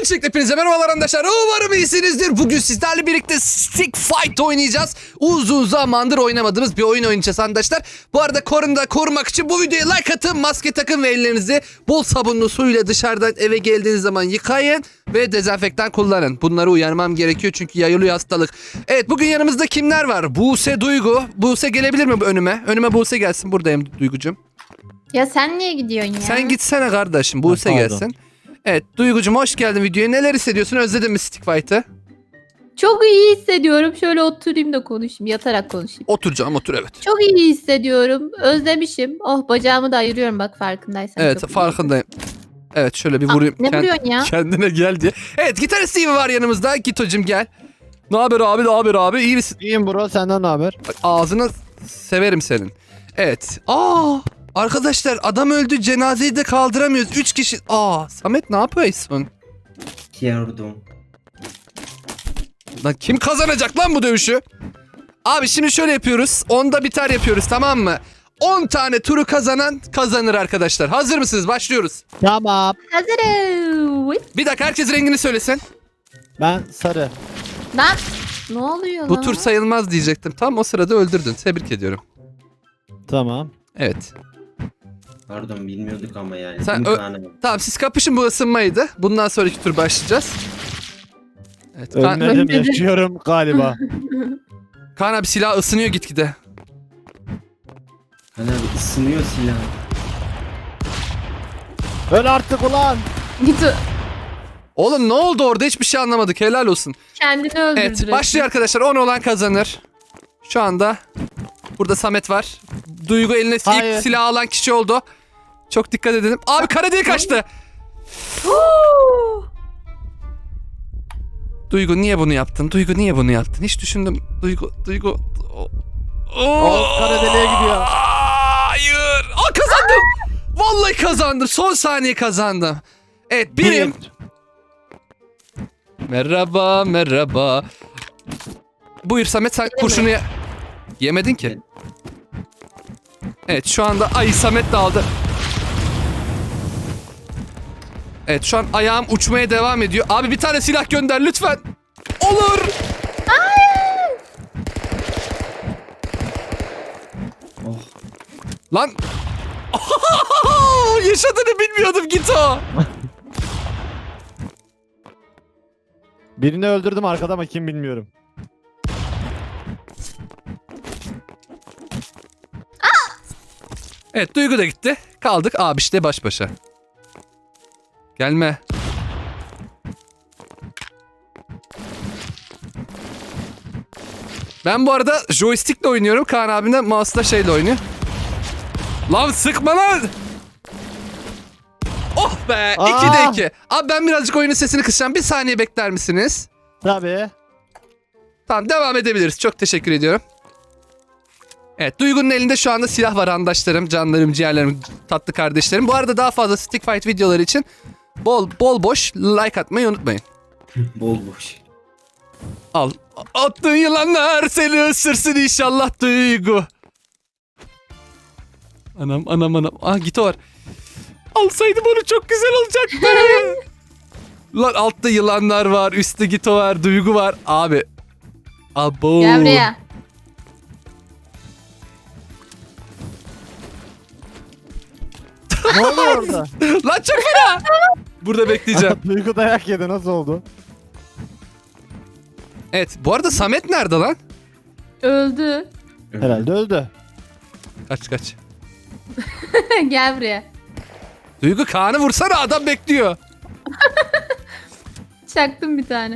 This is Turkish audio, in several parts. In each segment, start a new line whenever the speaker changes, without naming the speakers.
Öncelikle hepinize merhabalar arkadaşlar. Umarım iyisinizdir. Bugün sizlerle birlikte Stick Fight oynayacağız. Uzun zamandır oynamadığımız bir oyun oynayacağız arkadaşlar. Bu arada korunu korumak için bu videoya like atın, maske takın ve ellerinizi bol sabunlu suyla dışarıdan eve geldiğiniz zaman yıkayın ve dezenfektan kullanın. Bunları uyarmam gerekiyor çünkü yayılıyor hastalık. Evet, bugün yanımızda kimler var? Buse, Duygu. Buse gelebilir mi önüme? Önüme Buse gelsin. Buradayım Duygucuğum.
Ya sen niye gidiyorsun ya?
Sen gitsene kardeşim. Buse gelsin. Evet Duygucuğum, hoş geldin videoya. Neler hissediyorsun? Özledin mi Stick Fight'ı?
Çok iyi hissediyorum. Şöyle oturayım da konuşayım. Yatarak konuşayım.
Otur canım, otur, evet.
Çok iyi hissediyorum. Özlemişim. Oh, bacağımı da ayırıyorum bak, farkındaysan.
Evet,
çok iyi.
farkındayım. Evet, şöyle bir vurayım.
Ne vuruyorsun ya?
Kendine gel diye. Evet, gitarist Steve var yanımızda. Gitocum gel. Ne haber abi, ne haber abi? İyi misin?
İyiyim bro, senden ne haber?
Bak, ağzını severim senin. Evet. Arkadaşlar adam öldü, cenazeyi de kaldıramıyoruz. 3 kişi. Samet ne yapıyorsun?
Yardım.
Lan kim kazanacak lan bu dövüşü? Abi şimdi şöyle yapıyoruz. 10'da biter yapıyoruz, tamam mı? 10 tane turu kazanan kazanır arkadaşlar. Hazır mısınız? Başlıyoruz.
Tamam.
Hazırım.
Bir dakika, herkes rengini söylesin.
Ben sarı.
Lan ne oluyor
Bu
lan?
tur sayılmaz diyecektim. Tam o sırada öldürdün. Tebrik ediyorum.
Tamam.
Evet.
Pardon, bilmiyorduk ama yani.
Sen
İmkanı yok.
Tamam, siz kapışın, bu ısınmaydı. Bundan sonraki tur başlayacağız. Evet.
Ölmedim, yaşıyorum galiba.
Kaan abi silah ısınıyor gitgide.
Hani abi ısınıyor silah.
Öl artık ulan.
Git
Oğlum ne oldu orada? Hiçbir şey anlamadık. Helal olsun.
kendini öldürdü.
Evet, başlıyor arkadaşlar. 10 olan kazanır. Şu anda burada Samet var. Duygu eline
Hayır.
ilk silah alan kişi oldu. Çok dikkat edelim. Abi kara delik kaçtı. Duygu niye bunu yaptın? Duygu niye bunu yaptın? Hiç düşündüm. Duygu.
Kara deliğe gidiyor.
Hayır. Kazandım. Vallahi kazandım. Son saniye kazandım. Evet, birim. Merhaba. Buyur Samet, sen kurşunu yemedin ki. Evet, şu anda Samet de aldı. Evet, şu an ayağım uçmaya devam ediyor. Abi bir tane silah gönder lütfen. Olur.
Oh.
Lan. Yaşadığını bilmiyordum, git o.
Birini öldürdüm arkada ama kim bilmiyorum.
Evet, Duygu da gitti. Kaldık abi işte baş başa. Gelme. Ben bu arada joystickle oynuyorum. Kaan abim de mouse'la şeyle oynuyor. Lan sıkma lan. Oh be. 2'de 2. Abi ben birazcık oyunun sesini kısacağım. Bir saniye bekler misiniz?
Tabii.
Tamam, devam edebiliriz. Çok teşekkür ediyorum. Evet, Duygu'nun elinde şu anda silah var arkadaşlarım. Canlarım, ciğerlerim, tatlı kardeşlerim. Bu arada daha fazla Stick Fight videoları için bol boş like atmayı unutmayın.
Bol boş.
Al. Attığın yılanlar seni ısırsın inşallah Duygu. Anam. Git o var. Alsaydım onu çok güzel olacaktı. Lan altta yılanlar var. Üstte Gito var. Duygu var. Abi. Abo.
Gel buraya.
Ne oluyor orada?
Lan çok fena. Burada bekleyeceğim.
Duygu dayak yedi, nasıl oldu?
Evet. Bu arada Samet nerede lan?
Öldü.
Herhalde öldü.
Kaç.
Gel buraya.
Duygu, Kaan'ı vursana, adam bekliyor.
Çaktım bir tane.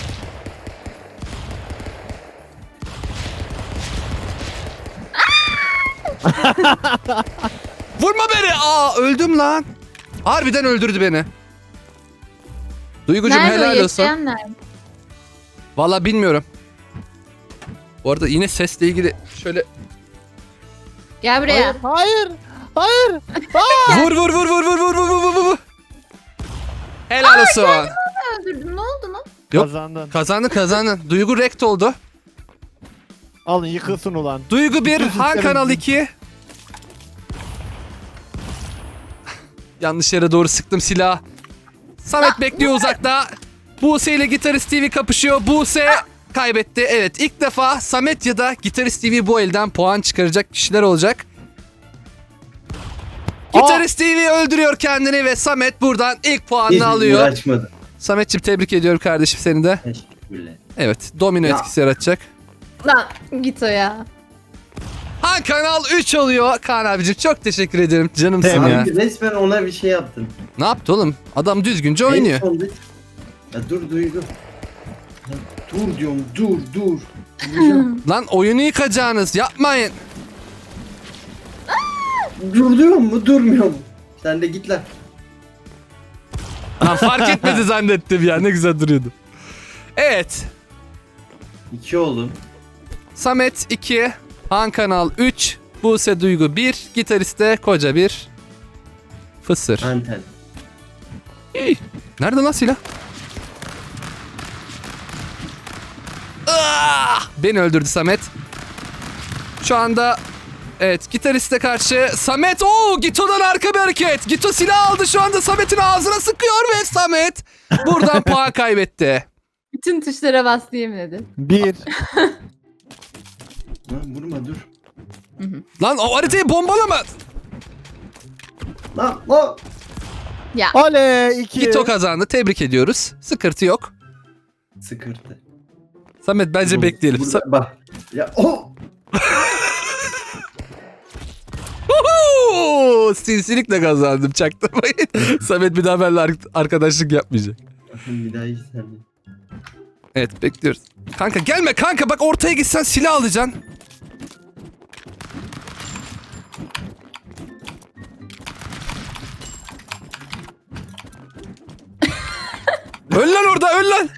Vurma beni. Öldüm lan. Harbiden öldürdü beni. Duygucuğum
Nerede o
helal olsun.
yaşayan nerede?
Vallahi bilmiyorum. Bu arada yine sesle ilgili şöyle
Gel buraya.
Hayır.
vur. Helal olsun.
Öldürdüm. Ne oldu lan?
Yok.
Kazandın.
Duygu rekt oldu.
Alın yıkılsın ulan.
Duygu 1,
Bütün
Han
sistemi-
Kanal 2. Yanlış yere doğru sıktım silah. Samet bekliyor uzakta. Buse ile Gitarist TV kapışıyor. Buse kaybetti. Evet, ilk defa Samet ya da Gitarist TV bu elden puan çıkaracak kişiler olacak. Gitarist TV öldürüyor kendini ve Samet buradan ilk puanını alıyor.
Uğraşmadım.
Sametciğim tebrik ediyorum kardeşim seni de.
Teşekkürler.
Evet, domino
Ya.
etkisi yaratacak.
Lan git o ya.
Han Kanal 3 oluyor. Kaan abicim çok teşekkür ederim. Canımsın
Tebrik.
ya.
Abi resmen ona bir şey yaptın.
Ne yaptı oğlum? Adam düzgünce oynuyor.
En sonunda- Ya dur Duygu. Ya dur diyorum dur. Duracağım.
Lan oyunu yıkacağınız yapmayın.
Dur diyor mu durmuyor mu? Sen de git lan.
Lan fark etmedi zannettim ya, ne güzel duruyordu. Evet.
2 oğlum.
Samet 2, Han Kanal 3, Buse Duygu 1, Gitariste Koca 1. Fısır.
Anten.
İyi. Nerede lan silah? Beni öldürdü Samet. Şu anda evet, Gitariste karşı Samet. Gito'dan arka bir hareket. Gito silah aldı, şu anda Samet'in ağzına sıkıyor ve Samet buradan puan kaybetti.
Bütün tuşlara bastı yemin ederim.
1.
Lan vurma dur.
Lan o haritayı bombalama.
Lan.
Ya
Oley 2.
Gito kazandı, tebrik ediyoruz. Sıkıntı yok.
Sıkırtı.
Samet bence bekleyelim.
Bak. Ya
Sinsilikle kazandım, çaktırmayın. Samet bir daha benimle arkadaşlık yapmayacak.
Bir daha iyi sen de.
Evet, bekliyoruz. Kanka gelme kanka, bak ortaya gitsen silah alacaksın. Öl lan orada, öl lan.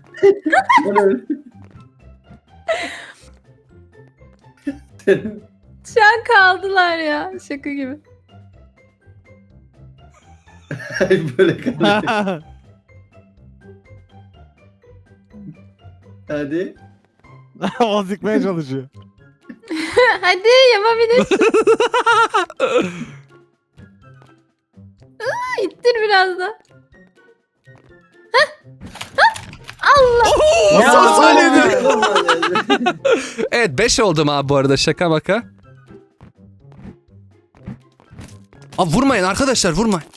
şu an kaldılar ya. Şaka gibi.
Böyle kaldı. Hadi.
O zıkmaya çalışıyor.
Hadi yapabilirsin. İttir biraz da. Allah.
Son saniyede.
Ya.
Evet, 5 oldum abi bu arada, şaka maka. Abi vurmayın arkadaşlar, vurmayın.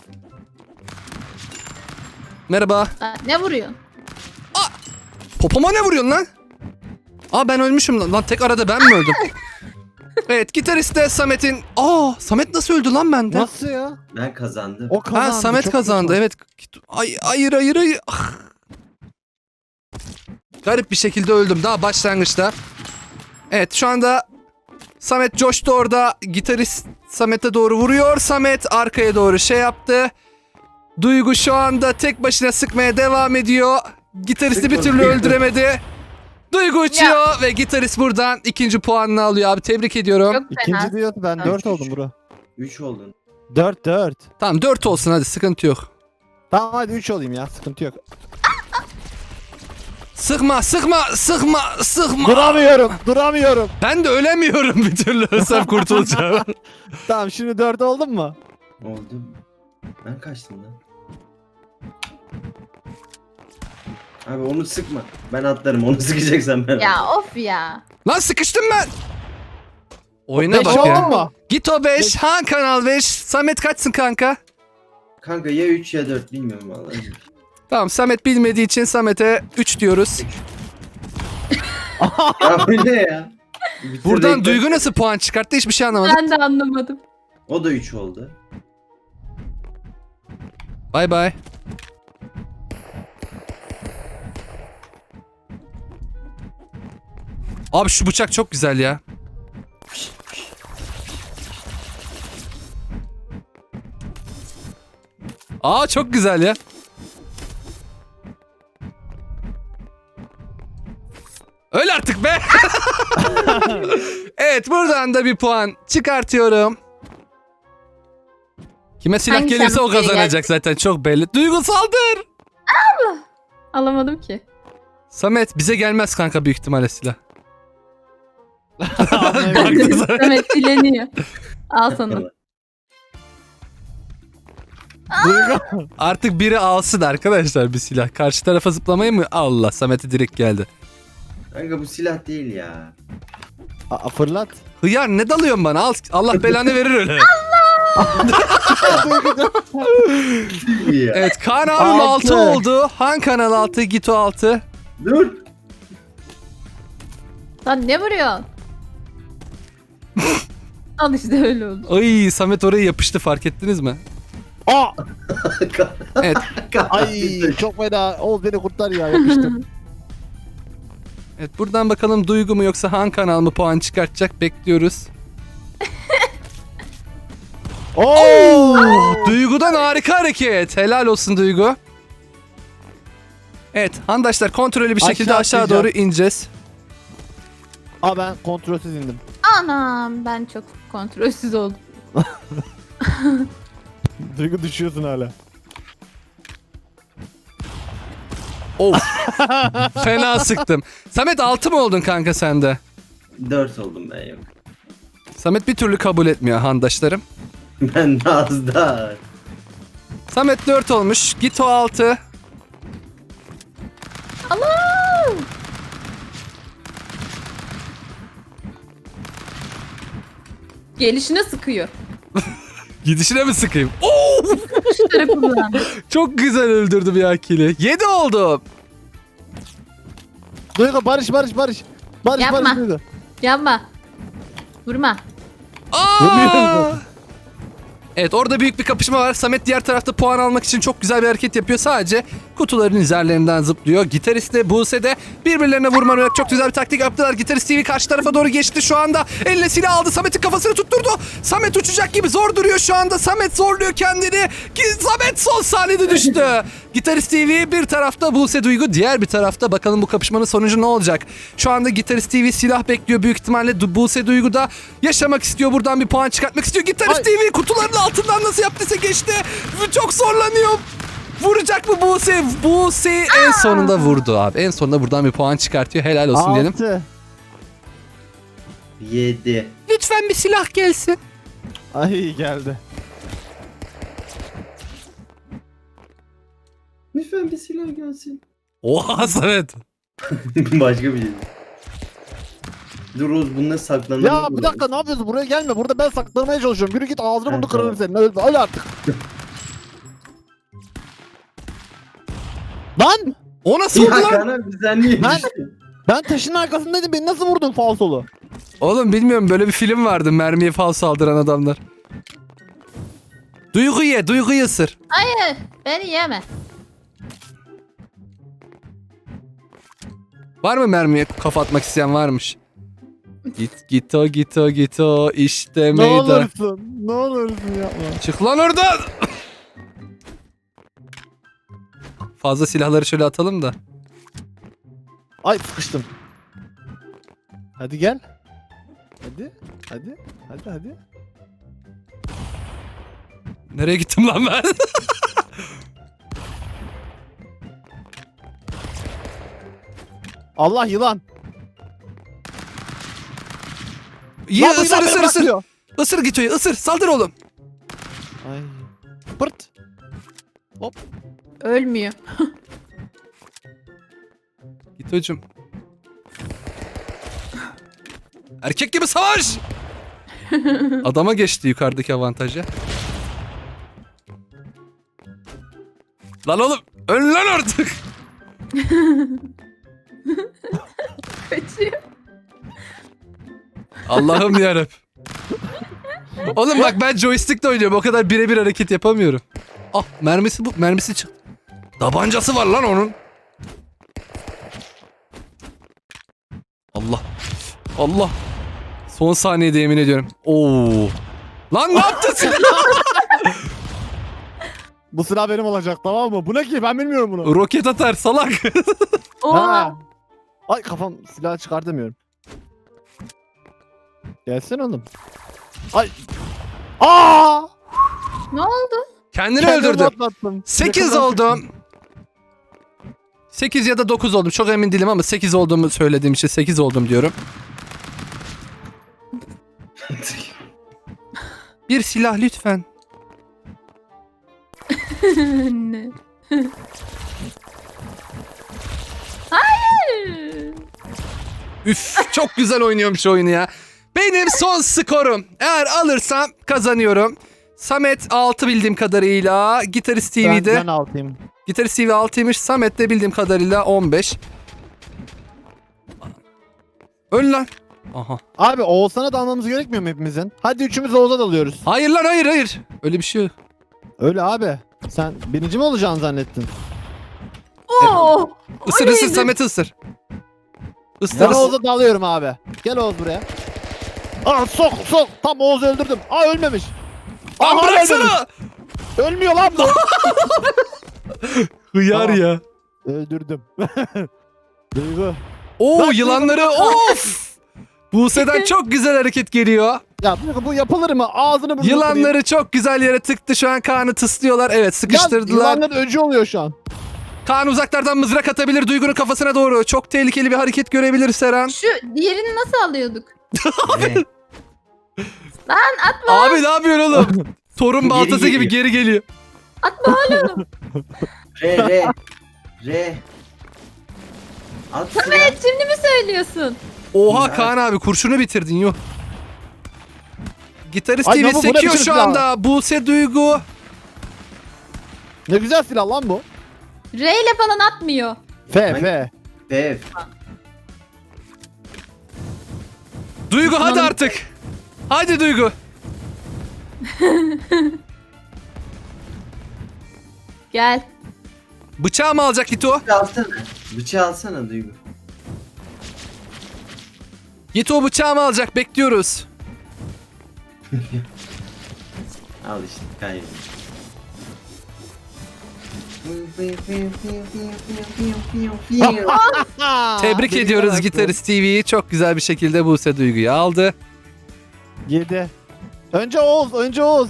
Merhaba.
Aa, ne vuruyorsun?
Popoma ne vuruyorsun lan? Ben ölmüşüm lan. Lan tek arada ben mi öldüm? Evet, Gitariste Samet'in... Samet nasıl öldü lan bende?
Nasıl ya?
Ben kazandım.
O kazandı.
Samet
çok
kazandı,
kötü.
evet. Hayır. Ah. Garip bir şekilde öldüm daha başlangıçta. Evet, şu anda Samet coştu orada. Gitarist Samet'e doğru vuruyor. Samet arkaya doğru şey yaptı. Duygu şu anda tek başına sıkmaya devam ediyor. Gitaristi bir türlü öldüremedi. Duygu uçuyor ve gitarist buradan ikinci puanını alıyor abi. Tebrik ediyorum.
Çok fena.
İkinci diyor ben 4 oldum bro.
3 oldun.
4.
Tamam, 4 olsun hadi, sıkıntı yok.
Tamam hadi 3 olayım ya, sıkıntı yok.
Sıkma.
Duramıyorum.
Ben de ölemiyorum bir türlü. Ölsem kurtulacağım.
Tamam şimdi 4 oldum mu?
Oldum. Ben kaçtım lan. Abi onu sıkma. Ben atlarım. Onu sıkacaksan ben
Ya
atlarım.
of ya.
Lan sıkıştım ben. Oyuna
5
bak
oldum
ya.
mu?
Gito 5, Han Kanal 5. Samet kaçsın kanka?
Kanka ya 3 ya 4 bilmiyorum vallahi.
Tamam, Samet bilmediği için Samet'e 3 diyoruz.
Ya bu ne ya?
Buradan
Bitirdik.
Duygu nasıl puan çıkarttı hiçbir şey anlamadım.
Ben de anlamadım.
O da 3 oldu.
Bay bay. Abi şu bıçak çok güzel ya. Çok güzel ya. Öl artık be. Evet, buradan da bir puan çıkartıyorum. Kime silah
Hangi
gelirse o
şarkıya
kazanacak zaten, çok belli. Duygu saldır.
Alamadım ki.
Samet bize gelmez kanka büyük ihtimalle silah.
Anlayamadım.
Samet dileniyor. Al sana.
Duygu.
Artık biri alsın arkadaşlar bir silah. Karşı tarafa zıplamayı mı? Allah, Samet'e direkt geldi.
Kanka bu silah değil ya.
Fırlat.
Hıyar ne dalıyorsun bana? Al, Allah belanı verir öyle.
Değil ya.
Evet, Kaan abim 6
Altı.
oldu. Han kanal 6, Gito 6.
Dur.
Lan ne vuruyorsun? Al işte öyle oldu.
Ay, Samet oraya yapıştı, fark ettiniz mi?
Aa!
Evet.
Ay çok fena. Oğuz beni kurtar ya, yapıştım.
Evet, buradan bakalım Duygu mu yoksa Han kanal mı puan çıkartacak, bekliyoruz.
Oo!
Duygu'dan harika hareket. Helal olsun Duygu. Evet handaşlar, kontrollü bir şekilde aşağı
atlayacağım.
doğru ineceğiz.
Aa, ben kontrolsüz indim.
Anam ben çok kontrolsüz oldum.
Duygu düşüyorsun hala.
Of. Fena sıktım. Samet 6 mı oldun kanka sende?
4 oldum ben yok.
Samet bir türlü kabul etmiyor handaşlarım.
Ben de az daha.
Samet 4 olmuş. Gito 6.
Allah! Gelişine sıkıyor.
Gidişine mi sıkayım? Oo!
Şu tarafından.
Çok güzel öldürdüm ya kili. 7 oldum.
Duygu barış. Barış
Yapma.
Duygu.
Yapma. Vurma.
Aa! Evet, orada büyük bir kapışma var. Samet diğer tarafta puan almak için çok güzel bir hareket yapıyor. Sadece kutuların üzerlerinden zıplıyor. Gitarist de Buse de birbirlerine vurmanarak çok güzel bir taktik yaptılar. Gitarist TV karşı tarafa doğru geçti şu anda. Eline silah aldı. Samet'in kafasını tutturdu. Samet uçacak gibi zor duruyor şu anda. Samet zorluyor kendini. Samet son saniyede düştü. Gitarist TV bir tarafta, Buse Duygu diğer bir tarafta. Bakalım bu kapışmanın sonucu ne olacak? Şu anda Gitarist TV silah bekliyor. Büyük ihtimalle Buse Duygu da yaşamak istiyor. Buradan bir puan çıkartmak istiyor. Gitarist
Ay.
TV kutuların altından nasıl yaptıysa geçti. Çok zorlanıyor. Vuracak mı Buse? Buse en sonunda vurdu abi. En sonunda buradan bir puan çıkartıyor. Helal olsun diyelim.
6.
7.
Lütfen bir silah gelsin.
Ay geldi.
Lütfen bir silah gelsin.
Oha Samet.
Başka bir şey. Dur Oğuz, bununla saklanalım.
Ya bir dakika, ne yapıyorsun? Buraya gelme. Burada ben saklanmaya çalışıyorum. Yürü git, ağzını bunu kırarım senin. Öyle artık. Lan!
O nasıl
Ya
oldu lan?
Kaan abi, sen niye
Ben-
düştün?
Ben taşın arkasındaydım. Beni nasıl vurdun falsolu?
Oğlum bilmiyorum, böyle bir film vardı. Mermiye fal saldıran adamlar. Duyguyu ısır.
Hayır. Beni yeme.
Var mı mermiye kafa atmak isteyen? Varmış. Gito işte
Ne
meydan.
olursun. Ne olursun yapma.
Çık lan oradan. Fazla silahları şöyle atalım da.
Ay sıkıştım. Hadi gel. Hadi.
Nereye gittim lan ben?
Allah, yılan.
İyi,
Lan bu
ısır
yılan beni
ısır.
bırakmıyor.
Isır Gito'yu, ısır. Saldır oğlum.
Ay. Pırt.
Ölmüyor.
Gito'cum. Erkek gibi savaş. Adama geçti yukarıdaki avantajı. Lan oğlum, öl lan artık.
Kaçıyor.
Allah'ım yarabbim. Oğlum bak, ben joystick'le oynuyorum. O kadar birebir hareket yapamıyorum. Ah, mermisi çıktı. Tabancası var lan onun. Allah. Son saniyede yemin ediyorum. Oo. Lan ne yaptın sen?
Bu silah benim olacak, tamam mı? Bu ne ki? Ben bilmiyorum bunu.
Roket atar salak.
Oha.
Ha. Ay kafam, silah çıkartamıyorum. Gelsene oğlum. Ay. Aa!
Ne oldu?
Kendini
Kendimi
öldürdü.
atlattım.
8
Yakından
oldum. 8 ya da 9 oldum. Çok emin değilim ama 8 olduğumu söylediğim için 8 oldum diyorum. Bir silah lütfen.
Ne? Hayır.
Üf, çok güzel oynuyormuş oyunu ya. Benim son skorum. Eğer alırsam kazanıyorum. Samet 6 bildiğim kadarıyla. Gitarist TV'de.
Ben altayım.
Gitarist TV 6'ymış. Samet de bildiğim kadarıyla 15. Öl lan. Aha.
Abi Oğuzhan'a da almamız gerekmiyor mu hepimizin? Hadi üçümüz Oğuz'a dalıyoruz.
Hayır lan, hayır. Öyle bir şey yok.
Öyle abi. Sen birinci mi olacaksın zannettin?
Oo.
Isır
O
ısır
neydi?
Samet ısır. Isır.
Ben Oğuz'a dalıyorum abi. Gel Oğuz buraya. Aa sok. Tam Oğuz'u öldürdüm. Aa ölmemiş.
Lan
Aa,
bıraksana.
Ölmüyor lan bu.
Hıyar
Tamam.
ya.
Öldürdüm. Duygu.
Oo,
Bak,
yılanları of. Buse'den çok güzel hareket geliyor.
Ya Duygu bu yapılır mı? Ağzını burnunu
Yılanları çok güzel yere tıktı. Şu an Kaan'ı tıslıyorlar. Evet, sıkıştırdılar.
Yılanların öcü oluyor şu an.
Kaan uzaklardan mızrak atabilir Duygu'nun kafasına doğru. Çok tehlikeli bir hareket görebilir Seren.
Şu diğerini nasıl alıyorduk?
Ne?
Lan atma.
Abi ne yapıyorsun oğlum? Torun
Geri
baltası gibi
geliyor.
geri geliyor.
Atma oğlum.
Re. At silah.
Samet şimdi mi söylüyorsun?
Oha
Ya.
Kaan abi, kurşunu bitirdin yok. Gitarist
Ay,
TV
ne bu? Bu ne
sekiyor
biçim
şu
silah?
anda. Buse Duygu.
Ne güzel silah lan bu.
R ile falan atmıyor.
F.
Dev.
Duygu hadi artık. Hadi Duygu.
Gel.
Bıçağı mı alacak Gito?
Bıçağı alsana Duygu.
Gito bıçağı mı alacak? Bekliyoruz.
Al işte kaybettim.
Tebrik ediyoruz Gitarist TV'yi. Çok güzel bir şekilde Buse Duygu'yu aldı.
7. Önce Oğuz.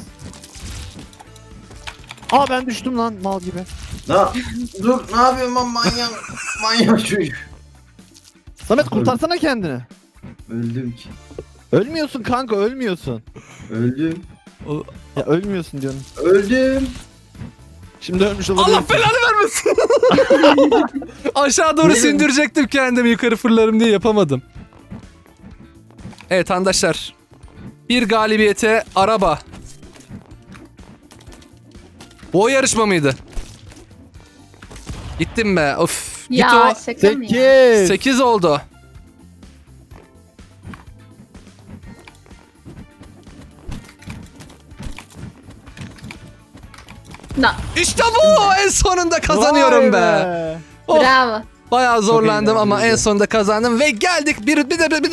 Aa ben düştüm lan mal gibi.
Dur ne yapıyorsun lan manyak çocuk.
Samet kurtarsana kendini.
Öldüm ki.
Ölmüyorsun kanka ölmüyorsun.
Öldüm.
Ya ölmüyorsun diyorum.
Öldüm.
Şimdi ölmüş olabilirsin.
Allah belanı vermesin. Aşağı doğru sündürecektim kendimi, yukarı fırlarım diye yapamadım. Evet arkadaşlar. Bir galibiyete araba. Bu o yarışma mıydı? Gittim be. Of.
Ya
Gito
şaka mı ya?
8.
8 oldu.
Na,
İşte bu. En sonunda kazanıyorum be. Oh,
bravo.
bayağı zorlandım ama en
eğlenceliydi.
sonunda kazandım ve geldik. Bir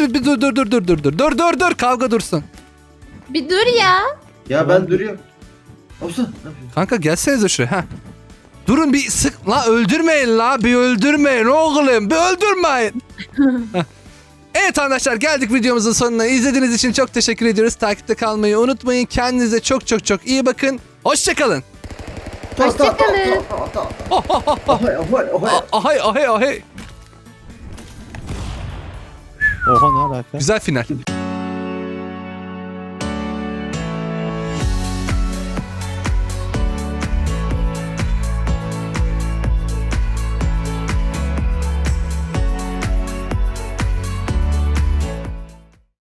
dur. Kavga dursun.
Bir dur ya.
Ya ben duruyorum. Olsun. Ne yapıyorsun?
Kanka gelsenize şuraya. Heh. Durun bir sık. La öldürmeyin la. Bir öldürmeyin oğlum. Bir öldürmeyin. Heh. Evet arkadaşlar, geldik videomuzun sonuna. İzlediğiniz için çok teşekkür ediyoruz. Takipte kalmayı unutmayın. Kendinize çok iyi bakın. Hoşçakalın.
Hoşçakalın.
Ahay.
Oha ne alaka?
Güzel final.